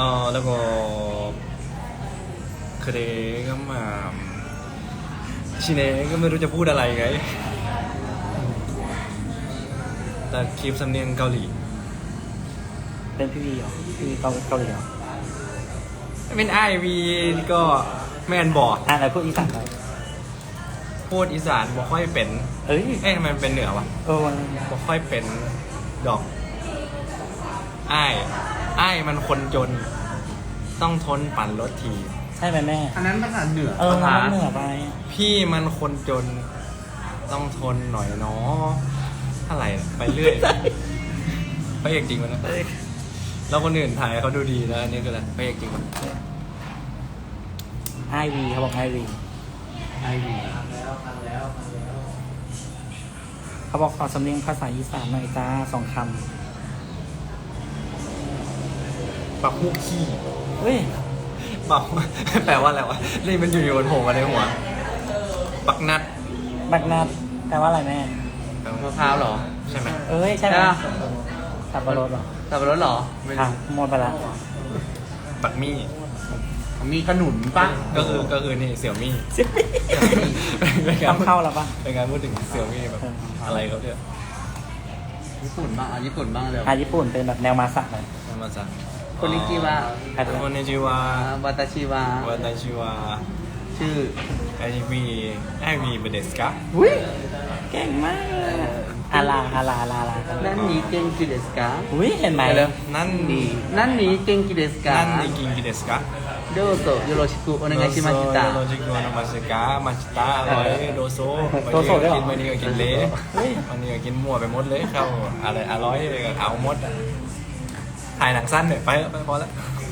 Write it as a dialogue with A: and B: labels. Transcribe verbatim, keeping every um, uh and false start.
A: ออแล้วก็เคเดก็มาชิเนก็ไม่รู้จะพูดอะไรไงแต่คลิปสำเนียงเกาหลี
B: เป็นพี่วีเหรอพี่วีเกาเกาหลีเหรอ
A: เป็นไอวีก็แม่นบอก
B: อ่ะไหนพูดอีสานหน่อย
A: พูดอีสานบ่ค่อยเป็น
B: เอ้ย
A: เอ๊ะทำไมมันเป็นเหนือวะ
B: เออมัน
A: บ่ค่อยเป็นดอกอ้ายอ้ายมันคนจน ต้องทนปั่นรถที
B: ใช่ไหมแม่
C: อันนั้นภาษาเหนือ
B: เออ
C: ภาษา
B: มันเหนือไป
A: พี่มันคนจน ต้องทนหน่อยเนาะอะไรเนี่ยไปเรื่อยพระเอกจริงมันนะ
B: เอ้ย
A: แล้วคนอื่นถ่ายเขาดูดีนะอันนี้คืออะไรพระเอกจริงมัน
B: ไอวีเขาบอกไอวี
C: ไอวี
B: เขาบอกขอสำเนียงภาษาอีสานหน่อยจ้าสองค
A: ปักพวกขี้
B: ำเฮ้ย
A: ปัก แปลว่าอะไรวะนี่มันอยู่ๆบนโผล่มาในหัว ปักนัด
B: บักนัดแปลว่าอะไรแม่
C: มะพร้าวเหรอ
A: ใช่ไหม
B: เอ้ยใช่ไหม
C: ใช่ปะ
B: สับปะรดเหรอ
C: สับปะรดเหรอไม่
B: อ่ะ
C: รู้
B: หมดไปละ
A: ปักมี่
C: มีขนุนปะ
A: ก็คือก็คือนี่เสี่ยวมี่
B: สิบปี
A: เป็นการ
B: ทำเข้าแล้วปะ
A: เป็นการพูดถึงเสี่ยวมี่แบบอะไรครับเนี่ย
C: ญี่ปุ่นบ้างอ่ะญี่ปุ่นบ้างเลย
B: อ่ะญี่ปุ่นเป็นแบบแนวมาสักเลย
A: มาจาก
C: คนนิจิวะ
B: ใครเป็น
A: คนนิจิวะ
C: วาตาชิวะ
A: วันไดชิวะ
C: ชื่อ
A: ไอวีไอวีเบเดสกะ
B: อุ้ยเก่งมากเลยอะอาลาอาลาอาลาอาลา
C: นั่นนี้เก่งกิเดสกะ
B: อุ้ยเห็นไหม
C: ไปเลย
A: นั่น
C: ดีนั่นนี้เก่งกิเดสกะ
A: นั่นนี่กินกิเดสกะ
C: โดโซโยโรชิคุโอเนกาชิมาชิตะ
A: โรจิโกโนมาชิกะมาชิตะอร่อยโดโซ
B: โดโซด้วยเหรอ
A: กินวันนี้ก็กินเละ
B: เฮ้ย
A: วันนี้ก็กินมั่วไปหมดเลยเข้าอะไรอร่อยก็เอาหมดอะถ่ายหนังสั้นหน่อยไปไปพอแล้ว